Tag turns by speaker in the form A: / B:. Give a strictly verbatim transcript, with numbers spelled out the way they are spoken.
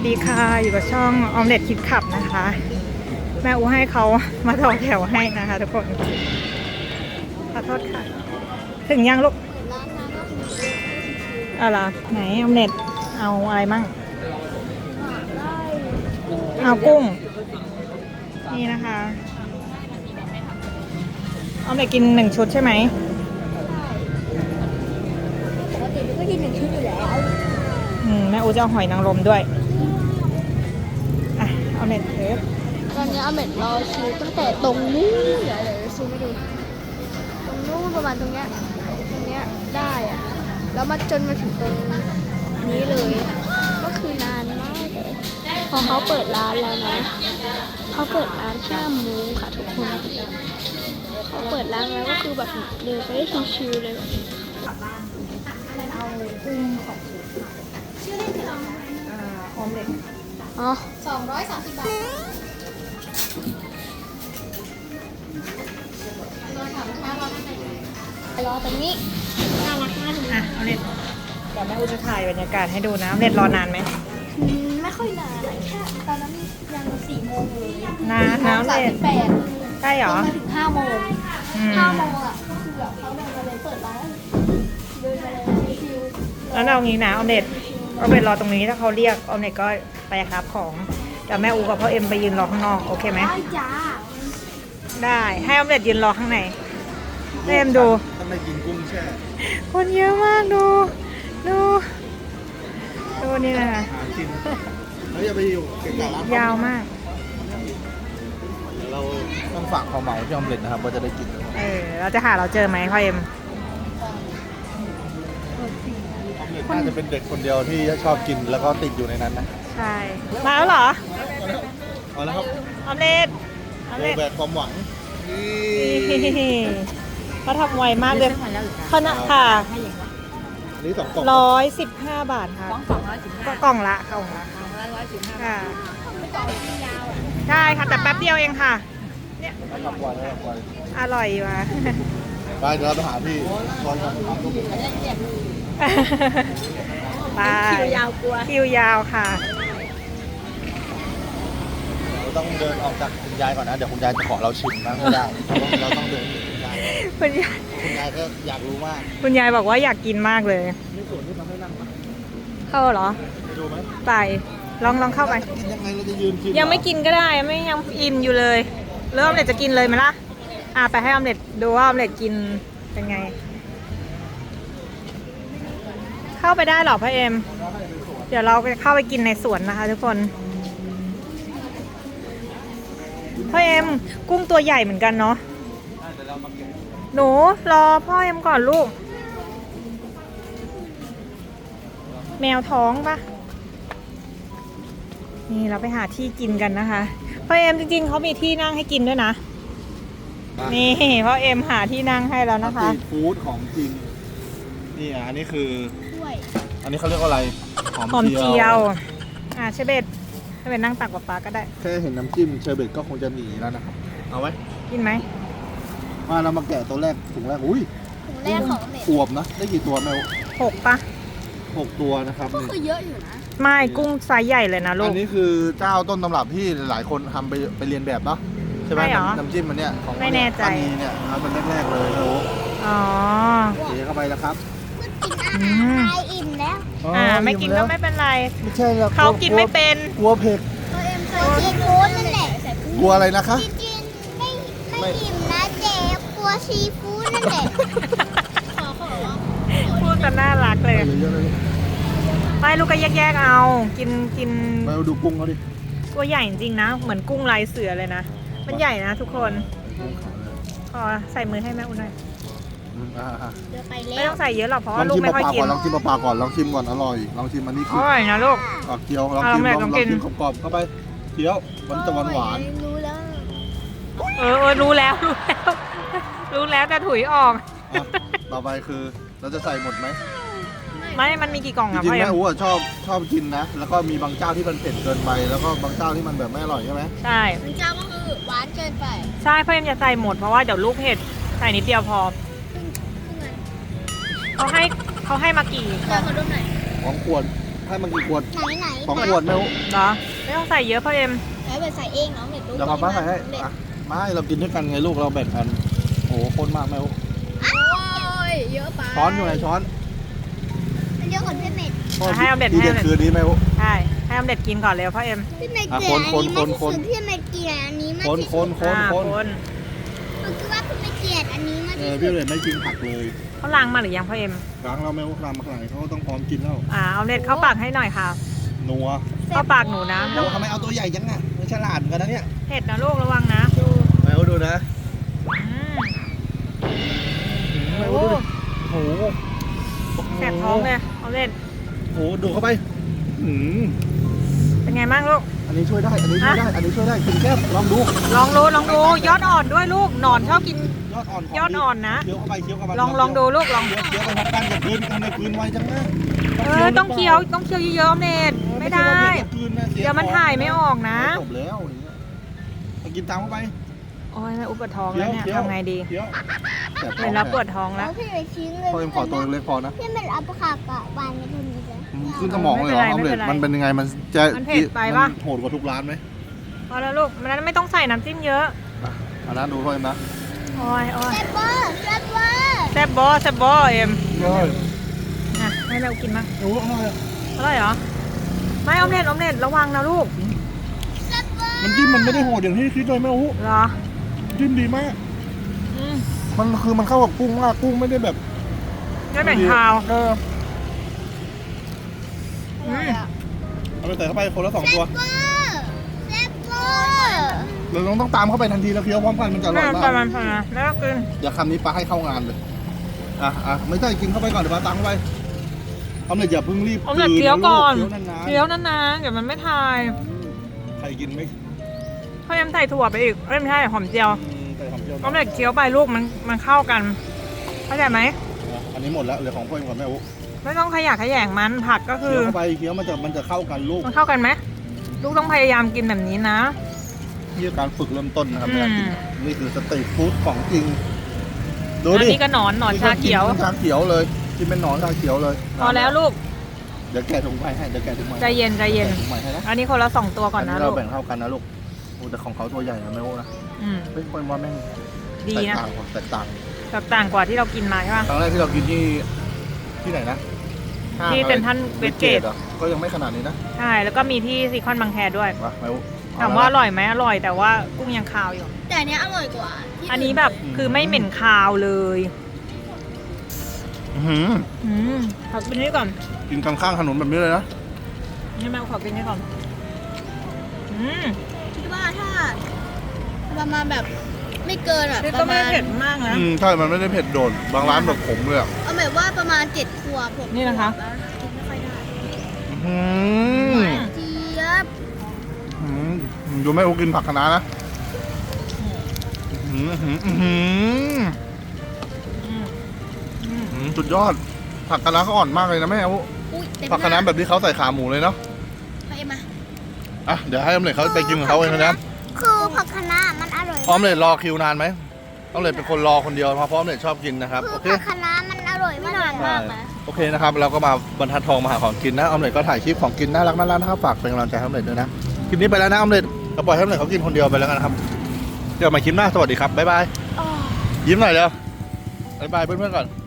A: ดีค่ะอยู่กับช่องออมเล็ตคิดขับนะคะแม่อูให้เขามาต่อแถวให้นะคะทุกคนขอโทษค่ะถึงยังลูกอะไรไหนออมเล็ตเอาอะไรมั่งเอากุ้งนี่นะคะออมเล็ตกินหนึ่งชุดใช่ไหม
B: ปกติมันก็กินหนึ่งชุดอยู่แล้ว
A: อืมแม่อูจะเอาหอยนางรมด้วยอ่ะเอาเน็ตเทป
B: ตอนนี้อาเม็ดรอคิวตั้งแต่ตรงนู้นเดี๋ยวเดี๋ยวซูมให้ดูตรงนู้นประมาณตรงเนี้ยตรงเนี้ยได้อะแล้วมาจนมาถึงตรงนี้เลยก็คือนานมากเลยพอเขาเปิดร้านแล้วนะเขาเปิดร้านห้าโมงค่ะทุกคนเขาเปิดร้านแล้วก็คือแบบเดินไปได้ชิวๆเลยแบบ
A: เอากุ้งของชื่อเล่นคือน้องอ่าออมเล็ต
B: อ๋อ
C: สองร้อยสามสิบบาทรอถามช้ารอท่านไหน
B: รอตรงนี้น่ารักมากเลย
A: อ่ะออมเล็ตเดี๋ยวแม่อูจะถ่ายบรรยากาศให้ดูนะออมเล็ตรอนานไหม
B: ไม่ค่อยนานแค่ตอนนั้นยังสี่โมงเลย
A: นานนะออมเล็ต
B: แปด
A: ใช่เหรอ
B: มาถึงห้าโมงห้าโมงอ่ะก็คือแบบเขาเดินมาเลยเปิดร้านเดินมาเลยชิวๆ
A: แล้วเอางี้นะออมเล็ตออมเล็ตรอตรงนี้ถ้าเขาเรียกออมเล็ตก็ไปครับของเดี๋ยวแม่อูกับพ่อเอ็มไปยืนรอข้างนอกโอเคไหม
B: ได้จ้า
A: ได้ให้ออมเล็ตยืนรอข้างในเอ็มดู
D: ถ้าไม่กินกุ้งแช่
A: คนเยอะมากดูดูดูนี่นะคะ
D: หากินแล้วอย่าไปอยู่เก่งๆร้าน
A: ยาวมาก
D: เราต้องฝากความเหมาที่ออมเล็ตนะครับว่าจะได้กิน
A: เออเราจะหาเราเจอไหมพ่อเอ็ม
D: น่าจะเป็นเด็กคนเดียวที่ชอบกินแล้วก็ติดอยู่ในนั้นนะ
A: ใช่มาแล้วเหรอ
D: เอาแล้วครับ
A: ออมเล็ตออม
D: โบ
A: เล็ต
D: แบกความหวังนี่
A: เขาทำไวมากเลยขนาดค่ะ
D: นี่สองกล่อง
A: ร้อยสิบห้าบาทค่ะ
C: สองร้อยสิบห้า
A: ก็กล่องละกล่องละ
C: สองร้อยสิบห้า
A: ค่ะ
C: ไม่ต่อที่ยาวอ่ะ
A: ใช่ค่ะแต่แป๊บเดียวเองค่ะเนี่ย
D: ทำวันทำวัน
A: อร่อยว่ะ
D: ไปเดี๋ยวเราไปหาพี่ตอนนี้
A: ไป
B: คิวยาวกลัว
A: คิวยาวค่ะ
D: เราต้องเดินออกจากคุณยายก่อนนะเดี๋ยวคุณยายจะขอเราชิมนะไม่ได้เราต้องเดินคุณยาย
A: คุณยาย
D: คุณยายก็อยากรู้มาก
A: คุณยายบอกว่าอยากกินมากเลย
D: นี่ส่วนที่ทำให้นั่งปะ
A: เข้าเหรอ
D: ไปดูไหม
A: ไปลองลองเข้าไป
D: กินยังไงเราจะยืนกิน
A: ยังไม่กินก็ได้ไม่ยังอิ่มอยู่เลยเริ่มออมเล็ตจะกินเลยไหมล่ะอ่ะไปให้ออมเล็ตดูว่าออมเล็ตกินเป็นไงเข้าไปได้หรอพ่อเอ็มเดี๋ยวเราไปเข้าไปกินในสวนนะคะทุกคนพ่อเอ็มกุ้งตัวใหญ่เหมือนกันเนาะหนูรอพ่อเอ็มก่อนลูกแมวท้องปะนี่เราไปหาที่กินกันนะคะพ่อเอ็มจริงๆเขามีที่นั่งให้กินด้วยนะนี่พ่อเอ็มหาที่นั่งให้แล้วนะคะ
D: สตรีทฟู้ดของจริงนี่อ่ะอันนี้คือ
B: ถ้วย
D: อันนี้เขาเรียกว่าอะไร
A: หอมเจียวอ่าเชเบตเชเบตนั่งตักป๊าๆก็ได้
D: แค่เห็นน้ำจิ้มเชอร์เบตก็คงจะหนีแล้วนะครับเอาไว้
A: กินไหม
D: มาเรามาแกะตัวแรกถุงแรกอุ้ย
B: ถุงแรกของเม็ด
D: อวบนะได้กี่ตัวแมว
A: หกปะ
D: หกตัวนะครับ
B: ก็คือเยอะอยู่นะ
A: ไม่กุ้งไซส์ใหญ่เลยนะลูก
D: อันนี้คือเจ้าต้นตำรับที่หลายคนทำไปไปเรียนแบบเนาะใช่ไหมน้ำจิ้มมันเนี่ยของ
A: ไม่แน่ใจ
D: อันนี้เนี่ยมันแรกๆเลยโอ้
A: อ๋อ
D: เทเข้าไปแล้วครับ
B: กินอาหารไทยอิ่มแล้ว
A: อ่าไม่กินก็ไม่เป็นไร
D: ไม่ใช่หรอก
A: เขากินไม่เป็น
D: กลัวเผ็ด
B: ตัวเอ็มเคยซีฟู้ดนั่นแหละ
D: กลัวอะไรนะคะ
B: กินไม่ไม่อิ่มนะเจ๊กลัวซีฟู้ดนั่นแหละ
A: พูดกันน่ารักเลยไปลูกก็แยกๆเอากินกิน
D: ไปดูกุ้งเขาดิ
A: ตัวใหญ่จริงๆนะเหมือนกุ้งลายเสือเลยนะมันใหญ่นะทุกคนขอใส่มือให้แม่อุ่นหน่อยไม่ต้องใส่เยอะหรอกเพราะว่าลูกไม่ค่อยกิน
D: ลองชิมปลาก่อนลองชิมก่อนอร่อยลองชิมอันนี้คือ
A: อร่อยนะลูก
D: ปลาเกี๊ยวลองชิมลองกินกรอบๆเข้าไปเกี๊ยวมันจะหวานหวาน
B: รู้แล้ว
A: เออเออรู้แล้วรู้แล้วรู้แล้วแต่ถุยออก
D: ต่อไปคือเราจะใส่หมดไหม
A: ไม่มันมีกี่กล่องอะ
D: จริงๆแม่อู๋ชอบชอบกินนะแล้วก็มีบางเจ้าที่มันเผ็ดเกินไปแล้วก็บางเจ้าที่มันแบบไม่อร่อยใช่ไหม
A: ใช่
B: บางเจ้าก็คือหวานเกินไป
A: ใช่พ่อเอ็มจะใส่หมดเพราะว่าเดี๋ยวลูกเผ็ดใส่นิดเดียวพอเขาให้เขาให้มากี่
B: เจอเขาดูหน่อย
D: ของขวดให้มันกี่ขวด
B: ไหนไหน
D: สองขวดแม่อุ๊
A: เหรอไม่ต้องใส่เยอะพ่อเอ็ม
B: แล้วไปใส่เองเนาะเด็กรู้
D: เดี๋ยวป้าใส่ให้อ่ะไม่เรากินด้วยกันไงลูกเราแบ่งกันโอ้โหคนมากแม่อุ๊
B: โอ้ยเยอะไป
D: ช้อนอยู่ไหนช้อน
B: เยอะกว่าพี่เม็ด
A: ให้ออมเล็ต
D: ที
A: ให้อ
D: เด็
A: อ
D: ด
A: มเล็ต
D: คือนี้แม่อุ๊
A: ใช่ให้ออมเล็ตกินก่อนเร็วพ่อเอ็ม
B: พี่เม็ด
D: อ่ะ
B: เกลียด
D: คน
B: อัน
D: คน
B: นี้มาก
D: คน
B: ที่สุดพี่เม็ดเกลียดอันนี้มาก
D: คน
B: ที่
D: ค
B: สุ
D: น
B: ด
D: คน
A: อ่า
D: คน
A: คน
B: หนูคิดว่าพี่เม็ดเกลียดอันนี้มาก
D: เอ
B: ที่
D: อ
B: สุ
D: พี่
B: ด
D: เลยไม่กินผักเลย
A: เขาล้างมาหรือยังพ่อเอ็ม
D: ล้างเราแม่อุ๊ล้างมาขนาดนี้เขาก็ต้องพร้อมกินแล้ว
A: อ่าออมเล็ตเข้าปากให้หน่อยค่ะ
D: นัว
A: เข้าปากหนูนะ
D: โอ้ทำไมเอาตัวใหญ่จังอ่ะมันฉลาดเหมือนกันนะเนี่ย
A: เผ็ดนะลูกระวังนะ
D: แม่อุ๊ดูนะ
A: อืม
D: แม่อุ๊ดูดิโอ้โห
A: แสบท้องเลยออมเล็ต
D: โอ้โหดูเข้าไปอืม
A: เป็นไงบ้างลูก
D: อันนี้ช่วยได้ อันนี้ช่วยได้ อันนี้ช่วยได้กินแก้มลองดู
A: ลองดูลองดูยอดอ่อนด้วยลูกหนอนชอบกิน
D: ยอดอ่อนขง
A: ยอดอ่อนนะ
D: เคี้ยวเข้าไปเคี้ยวเข้าไป
A: ลองลองดูลูกลอง
D: เคี้ยวเคี้ยวไปทับกันกับพื้นทำไมพื้นไวจังนะ
A: เออต้องเคี้ยวต้องเคี้ยวเยอะๆออมเล็ตไม่ได้
D: ใช่ว่าเผ็กับพื้นนะสี
A: เดี๋ยวมันถ่ายไม่ออกนะ
D: จบแล้วอย่างเงี้ยไปกินตามเข้าไป
A: โอ้ยแม่อุปวดท้องแล้วเนี่ย
D: เคี้ยว
A: ทำไงดี
D: เคี้ยวแสบท้
A: เล
D: อง
A: ยแล้วปวดท้องแล้ว
B: พี่เม็ดชิ้นเลย
D: พอเอ็มขอตัวเล็กๆพอนะ
B: พี่เม็ดเอาปากกาบานในตัวนี้เลย
D: ขึ้นสมองเลยเหรอ
A: ไม่
D: ออม
A: เป็น
D: เล็
A: ไร
D: ตมันเป็นยังไง มันจะ
A: มันเผ็ดไปปะ
D: มันโหดกว่าทุกร้านไหม
A: พอแล้วลูกมันไม่ต้องใส่น้ำจิ้มเยอะ
D: อ่ะอันนั้นดูพ่อเอ็มนะ
A: โอ้ยโอ้ย
B: แซ่บเวอร์แซ่บเวอร์
A: แซ่บบอแซ่บบอเอ็ม
D: ใช่
A: นะให้แม่อุกินมั้ง
D: โอ้อร่อยอะ
A: อร่อยเหรอไม่ออมเล็ตออมเล็ตระวังนะลูก
B: แซ่บเวอร์
D: มันจิ้มมันไม่ได้โหดอย่างที่คิดเลยแม่โอ้
A: เหรอ
D: จิ้มดีมาก
A: อืม
D: มันคือมันเข้ากับกุ้งมากกุ้งไม่ได้แบบ
A: ไม่แบ่งคาว
D: เออ
A: อืม
D: เอาไปใส่เข้าไปคนละสองตัว
B: เวอร์แซ่บเวอร์
D: เราต้องต้องตามเข้าไปทันทีแล้วเคี้ยวพร้อมกันมันจะอร่
A: แม่
D: อย
A: ป
D: มา
A: ระมาณ
D: ก
A: ประมาณแล้วก็กิน
D: อย่าคำนี้ปลาให้เข้างานเลยอ่ะอ่ะไม่ใช่กินเข้าไปก่อนเดี๋ยวปลาตามเข้าไปเอาเลยอย่าเพิ่งรีบ
A: ออมเล็ตเคี้ยวก่อน
D: เคี้ยวนานๆ
A: เคี้ยวนานๆเดี๋ยวมันไม่ทาย
D: ใครกินไหม
A: พ่อเอ็มใส่ถั่วไปอีกเอ้ยไม่ใช่หอมเจียว
D: อืมใส่หอมเจียว
A: ออมเล็ตเคี้ยวไปลูกมันมันเข้ากันเข้าใจไหม
D: อ่ะอันนี้หมดแล้วเหลือของพ่อเอ็มกับแม่อุ๊
A: ไม่ต้องขยะแขยงมันผักก็คื
D: เคี้
A: อ
D: ยวเข้าไปเคี้ยวมันจะมันจะเข้ากันลูก
A: มันเข้ากันไหมลูกต้องพยายามกินแบบนี้นะ
D: นี่คือการฝึกเริ่มต้นนะครับ
A: อืม
D: ในการกินนี่คือสตรีทฟู้ดของจริงดู
A: อัน
D: ดิ
A: นี้ก็หนอนหนอนชาเขียว
D: ชาเขียวเลยกินเป็นหนอนชาเขียวเลย
A: พอแล้วลูก
D: เดี๋ยวแกะถุงใหม่ให้เดี๋ยวแกะถุงใหม่
A: ใจเย็นใจเย็น
D: แกะถุงใหม่ให้นะ
A: อันนี้คนละสองตัวก่อนนะ
D: อั
A: ลู
D: เรา
A: ก
D: แบ่งเท่ากันนะลูกโอ้แต่ของเขาตัวใหญ่นะแม่โอ้นะ
A: อืม
D: เฮ้ยคนว่าแม่ง
A: ดี
D: แตก
A: นะ
D: ต่างกว่าแตกต่าง
A: แบบต่างกว่าที่เรากินมาใช่ป่ะ
D: ครั้งแรกที่เรากินที่ที่ไหนนะห้าง
A: ที่
D: อะไร
A: เซ็นทรัลเวสเกต
D: หรอก็ยังไม่ขนาดนี้นะ
A: ใช่แล้วก็มีที่ซีคอนบางแคด้วย
D: มาแม่โอ้
A: ถามว่าอร่อยไหมอร่อยแต่ว่ากุ้งยังคาวอยู่
B: แต่อันเนี้ยอร่อยกว่าที่
A: อันนี้แบบคือไม่เหม็นคาวเลย
D: อื้อหือ
A: อืมขอกินนี่ก่อน
D: กินกลางข้างถนนแบบนี้เลยนะ
A: นี่แม่ขอกินนี่ก่อนอืม
B: คิดว่าถ้าประมาณแบบไม่เกินอ่ะ
A: นี่
B: ป
A: ก็
B: ระ
A: ไม่
B: มาณ
A: เผ็ดมากนะ
D: อืมใช่มันไม่ได้เผ็ดโดดบางร้านแบบขมเลยอ่ะ
B: เอาแบบว่าประมาณเจ็ดขวบผม
A: นี่นะคะ
B: กินไม่ค่อยได้
D: อื้อหือ
B: เจี๊ยบ
D: อืมดูแม่โอ้กินผักคะน้านะอื้อหืออื้อหือ
A: อืมอืม
D: อื้อหือสุดยอดผักคะน้าเขาอ่อนมากเลยนะแม่โอ้
B: อุ้ยเต็ม
D: ผักคะน้าแบบที่เขาใส่ขาหมูเลยเนาะ
B: ไปมา
D: อ่ะเดี๋ยวให้ออมเล็ตเขาไปกินของเขาเองนะ
B: คือผักคะน้ามันอร่อย
D: ออมเล็ตรอคิวนานไหมออมเล็ตเป็นคนรอคนเดียวเพราะออมเล็ตชอบกินนะครับ
B: คือ
D: โอเค
B: ผักคะน้ามันอร่อยไม่นานมากนะ
D: โอเคนะครับเราก็มาบรรทัดทองมาหาของกินนะออมเล็ตก็ถ่ายคลิปของกินน่ารักน่ารักนะครับฝากเป็นกำลังใจให้ออมเล็ตด้วยนะคลิปนี้ไปแล้วนะออมเล็ตเราปล่อยให้ออมเล็ตเขากินคนเดียวไปแล้วกันนะครับเดี๋ยวมาคลิปหน้าสวัสดีครับบ๊ายบายยิ้มหน่อยเร็วบ๊ายบายเพื่อนๆก่อน